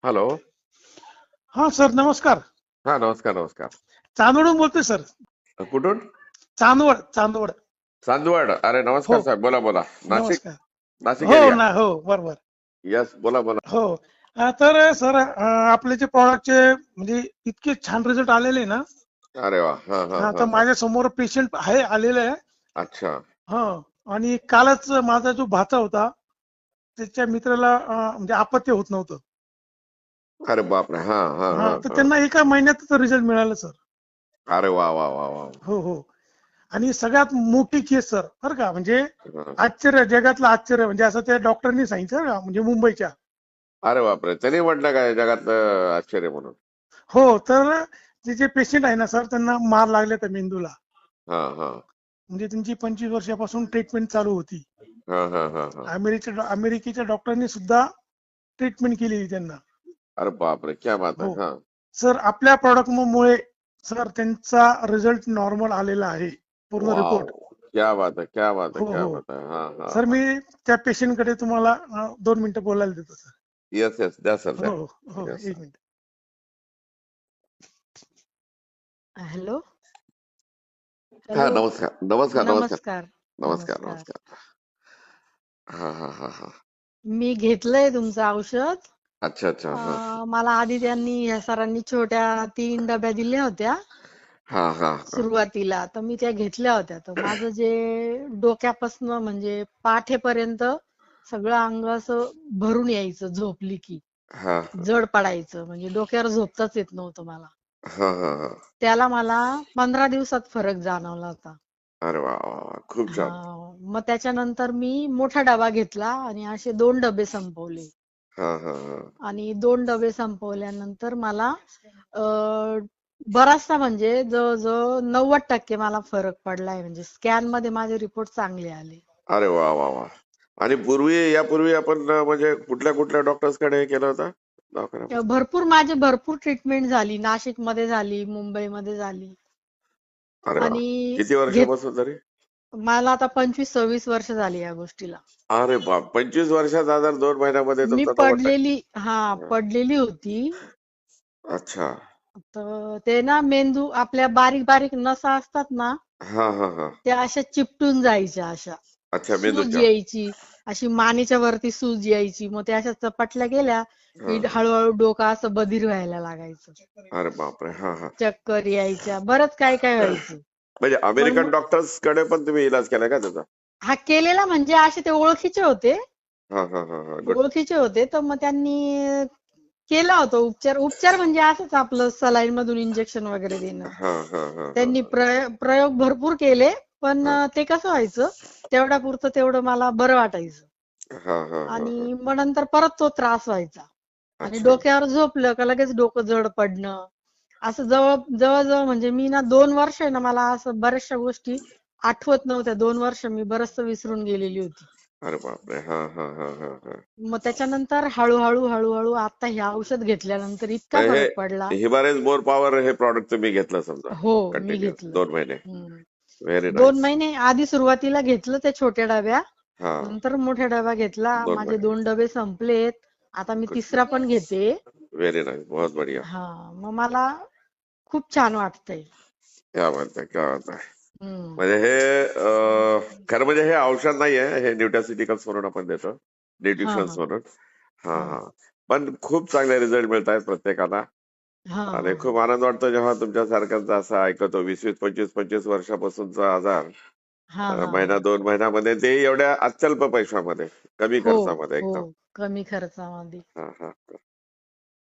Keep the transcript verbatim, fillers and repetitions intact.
Hello. हा sir, नमस्कार. हा, नमस्कार नमस्कार. चांदवडून बोलतोय सर. कुठून? चांदवड चांदवड. चांदवड. अरे हो, नमस्कार साहेब, बोला बोला. नाशिक. नमस्कार. नाशिक हो एरिया. ना, हो बरोबर. यस, बोला बोला. हो. अं, तर सर, अं, आपले जे प्रॉडक्टचे म्हणजे इतके छान रिझल्ट आलेले ना. अरे वा. हा हा हा, हा तर हा. माझ्या समोर पेशंट आहे आलेले आहे. अच्छा. हा. आणि कालच माझा जो भाचा होता त्याच्या मित्राला अं, म्हणजे अपत्य होत नव्हतं. अरे बापरे. हा हा हा, हा तर हा. त्यांना एका महिन्यातच रिझल्ट मिळाला सर. अरे वा वा वा वा. हो हो. आणि सगळ्यात मोठी केस सर, बरं का, म्हणजे हा. आश्चर्य, जगातलं आश्चर्य, म्हणजे असं त्या डॉक्टरनी सांगितलं ना, म्हणजे मुंबईच्या. अरे बापरे, त्यांनी म्हटलं काय जगात आश्चर्य म्हणून? हो, तर जे जे पेशंट आहे ना सर, त्यांना मार लागले त्या मेंदूला. हा हा म्हणजे त्यांची पंचवीस वर्षापासून ट्रीटमेंट चालू होती. हा हा हा हा. अमेरिकेच्या अमेरिकेच्या डॉक्टरनी सुद्धा ट्रीटमेंट केलेली त्यांना. अरे बापरे, क्या बात हो आहे. हा. सर, आपल्या प्रॉडक्ट मुळे सर त्यांचा रिझल्ट नॉर्मल आलेला आहे, पूर्ण वाव. रिपोर्ट. क्या बात है, क्या बात है, हो क्या हो. बात है. हा हा सर, हा. मी त्या पेशंट कडे तुम्हाला अं, दोन मिनिटं बोलायला देतो सर. येस येस, द्या सर, द्या. हो हो, येस एक सर. मिनिट. हॅलो. हा, हॅलो. नमस्कार नमस्कार नमस्कार. नमस्कार. नमस्कार नमस्कार. नमस्कार. हा हा हा हा. मी घेतलंय तुमचं औषध. अच्छा अच्छा. हा अं, मला आधी त्यांनी ह्या सरांनी छोट्या तीन डब्या दिल्या होत्या हा हा हा. सुरुवातीला, तर मी त्या घेतल्या होत्या. तर माझं जे डोक्यापासून म्हणजे पाठेपर्यंत सगळं अंग असं भरून यायचं, झोपली की हा जड पडायचं, म्हणजे डोक्यावर झोपताच येत नव्हतं मला. हा हा हा. त्याला मला पंधरा दिवसात फरक जाणवला होता. अरे वा वा वा, खूप हा, छान. मग त्याच्यानंतर मी मोठा डबा घेतला आणि असे दोन डबे संपवले. हा हा हा. आणि दोन डबे संपवल्यानंतर मला अं, बराचसा म्हणजे जवळजवळ नव्वद टक्के मला फरक पडलाय. म्हणजे स्कॅन मध्ये माझे रिपोर्ट चांगले आले. अरे वा वा वा. आणि पूर्वी यापूर्वी आपण अं, म्हणजे कुठल्या कुठल्या डॉक्टर्स कडे केलं होतं दवाखान्यात? भरपूर माझे भरपूर ट्रीटमेंट झाली. नाशिक मध्ये झाली, मुंबईमध्ये झाली. अरे वा. आणि किती घेत वर्षापासून तरी? मला आता पंचवीस सव्वीस वर्ष झाली या गोष्टीला. अरे बाप, पंचवीस वर्षाचा आजार दोन महिन्यामध्ये मी तुमचा नव्वद पडलेली हा टक्के पडलेली होती. अच्छा. तर ते ना, मेंदू आपल्या बारीक बारीक नसा असतात ना, हा हा हा. त्या अशा चिपटून जायच्या, अशा अच्छा, सूज मेंदूच्या. यायची, अशी मानेच्या वरती सूज यायची. मग त्या अशा चपटल्या गेल्या हा की हा. हळूहळू डोकं असं बधीर व्हायला लागायचं, अरे बापरे. हा हा. चक्कर यायच्या, बरंच काय काय व्हायचं. म्हणजे पण अमेरिकन मग डॉक्टर्स कडे पण तुम्ही इलाज केला का त्याचा? हा केलेला, म्हणजे असे ते ओळखीचे होते. हा हा हा हा. गुड. ओळखीचे होते तर मग त्यांनी केला होता उपचार. उपचार म्हणजे असंच आपलं सलाईन मधून इंजेक्शन वगैरे देणं. हा हा हा हा त्यांनी प्रयोग प्रयोग भरपूर केले, पण हा ते कसं व्हायचं, तेवढ्या पुरतं तेवढं मला बरं वाटायचं. हा हा हा हा. आणि मग नंतर परत तो त्रास व्हायचा. आणि अच्छा. डोक्यावर झोपलं का लगेच डोकं जड पडणं, असं जवळ जवळजवळ म्हणजे मी ना दोन वर्ष आहे ना, मला असं बऱ्याचशा गोष्टी आठवत नव्हत्या. दोन वर्ष मी बरचसं विसरून गेलेली होती. अरे बापरे. हा हा हा हा हा. मग त्याच्यानंतर हळूहळू हळूहळू आता हे औषध घेतल्यानंतर इतका म्हणजे फरक पडला. हे हिमालयस मोर पॉवर हे प्रॉडक्ट तुम्ही घेतलं समजा हो, मी कंटिन्यू घेतलं. दोन महिने. हम्म. व्हेरी दोन नाईस. महिने आधी सुरुवातीला घेतलं त्या छोट्या डब्या, हा. नंतर मोठ्या डबा घेतला. दोन माझे महिने. दोन डबे संपलेत. आता मी तिसरा पण घेते. व्हेरी नाईस, बहुत बढ़िया. हा, मग मला खूप छान वाटतंय. क्या बात आहे, क्या बात आहे. हम्म. म्हणजे हे अं, खरं म्हणजे हे औषध नाहीये, हे न्यूट्रास्युटिकल्स म्हणून आपण देतो, हा न्यूट्रिशन्स हा म्हणून. हा हा हा. पण खूप चांगले रिझल्ट मिळत आहेत प्रत्येकाला. हा आणि खूप आनंद वाटतो जेव्हा तुमच्या सारख्यांचा असं ऐकतो. वीस वीस पंचवीस पंचवीस वर्षापासूनचा आजार हा अं, हा महिना हा. दोन महिन्यामध्ये, ते एवढ्या अत्यल्प पैशामध्ये, कमी हो खर्चामध्ये हो, एकदम. कमी खर्चामध्ये. हा हा.